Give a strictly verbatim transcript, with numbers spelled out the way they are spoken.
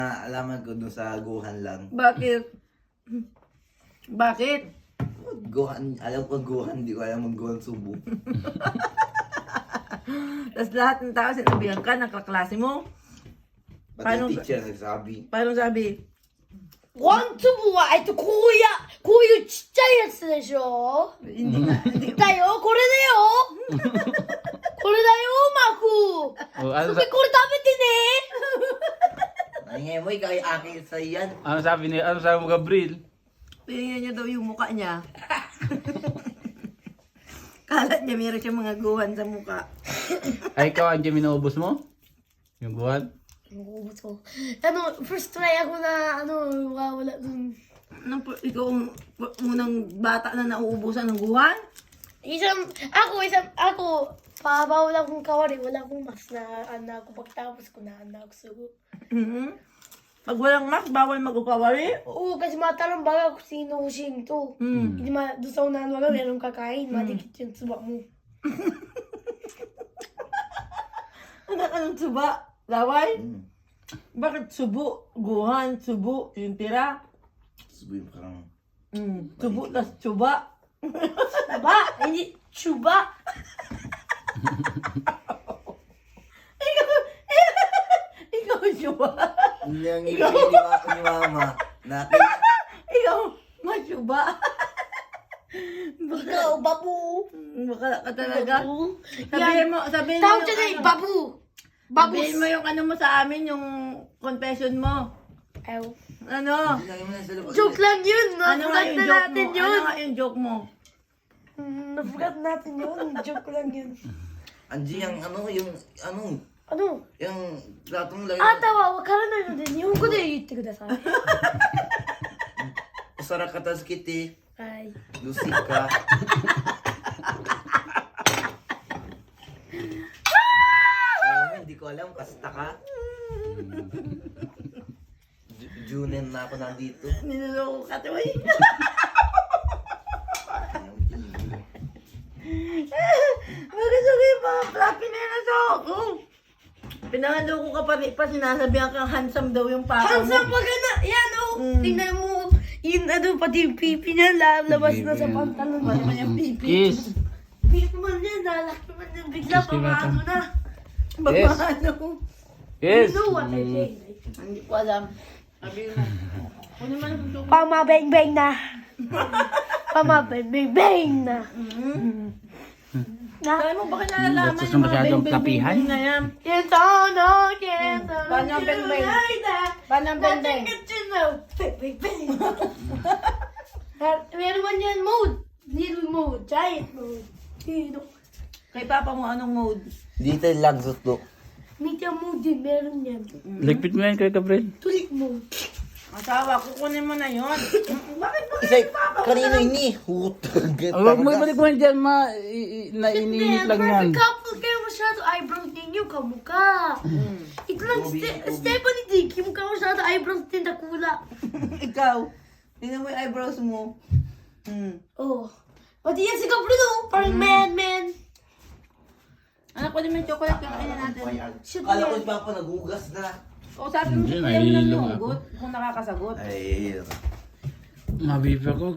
Alaman ko dun sa Gohan lang. Bakit? Bakit? Gohan, alam ko Gohan, di ko alam ang Gohan Subo. Tapos lahat ng tao sinabihan ka ng kaklase mo. Pati Paano- yung teacher nagsabi. Paano sabi? ワン粒は、えっと、こうや、こういうちっちゃいやつでしょ Hindi na. Hindi. だよ、これだよこれだよ、マク O, ano, そ sa- れこれ食べてね Ay nga mo, ikaw ay akin sa yan. ano sabi ni, ano sabi mo, Gabriel? Tingnan niya daw yung mukha niya. Kalat niya meron siya mga guhan sa mukha. Ay, ikaw, Andiyan, minuubos mo? Yung buwan? もうそうあの、first try ako na, ano, wala dun. Nang, ikaw ang unang bata na nauubusan ng guhan? Isang, ako, isang, ako, pabawal akong kawari, wala akong mas na, ano, ako, pagtapos ko na, ano, ako sugo. Mhm. Pag walang mask, bawal mag-ukawari? Oo, kasi matanong baga kung sino sino to. Hmm. Hindi ma, doon sa unahan baga, meron kakain, madikit yung suba mo. Ano, anong suba? Laway? Hmm. Bakit subo? Guhan, subo, yung tira? Subo yung parang... Mm. Subo, tas tsuba. Ba, hindi, chuba. Ikaw, ikaw tsuba. Hindi ang ibig ni Mama ni Mama. Natin. Ikaw, matsuba. Ikaw, babu. Baka ka talaga. Babu. Sabihin mo, sabihin mo Tawag dyan eh, ano, babu. Babus. sabihin mo yung ano mo sa amin, yung confession mo. Ayaw. Ano? Hindi lang mo na sa labas. Joke lang yun. Ano nga Nafugat yung na joke natin mo? yun. Ano nga yung joke mo? Mm, Nafugat natin yun. Joke lang yun. Anji, yung ano, yung ano, あの、 yung platong lagi. あなたはわからないので日本語で言ってください。 Usara ka tas kiti. はい。 Lucy ka. Ah, hindi ko alam, kasta ka. Ju- Junen na ako nandito. Niloloko ka to eh. Bakit sabi yung mga fluffy na yan sa ako? Pinangaloko ka pa rin pa, sinasabihan kang handsome daw yung papa mo. Handsome pag na, yan oh. Mm. Tingnan mo. Yun ano, pati yung pipi niya lalabas na sa pantalon. Ano man yung pipi? Kiss! Pipi man yan, lalaki man yan. Bigla Kiss, pa Tivata. maano na. Yes. Babaano. Yes! You know what I Mm. say. Hindi ko alam. Sabi mo. Kunin mo yung joke. Pamabeng-beng na. Pamabeng-beng na. Na. Sabi mo, baka nalalaman Gusto yung mga masyadong beng-beng kapihan? na yan. Yes, oh no, yes, oh, Paano ang beng-beng? Paano ang beng-beng? Beng-beng. Meron man yan mode. Little mode, giant mode. Dito. Kay papa mo, anong mode? Dito lang suto. Media mode din, meron yan. Ligpit mo yan kay Gabriel. Tulik mode. Asawa, kukunin mo na yun. Bakit mo Isa, kanino ini? Hutag. Oh, wag mo ibalik mo yan dyan, ma. I- i- Naiinit lang yan. Perfect couple kayo masyado. Eyebrows ninyo, kamukha. Ito lang, Ste- Stephanie Dick, yung mukha masyado eyebrows din na kula. Ikaw, tingnan mo yung eyebrows mo. Hmm. Oh. Pati yan si Gabriel, oh. Parang man, man. Anak, pwede mo yung chocolate kakainin natin. Shit, Kala ko man. si Papa nagugas na. O sabi mo, Hindi, kaya mo lang nahihilo yung ako. hugot kung nakakasagot. Ay, Mabibi ako.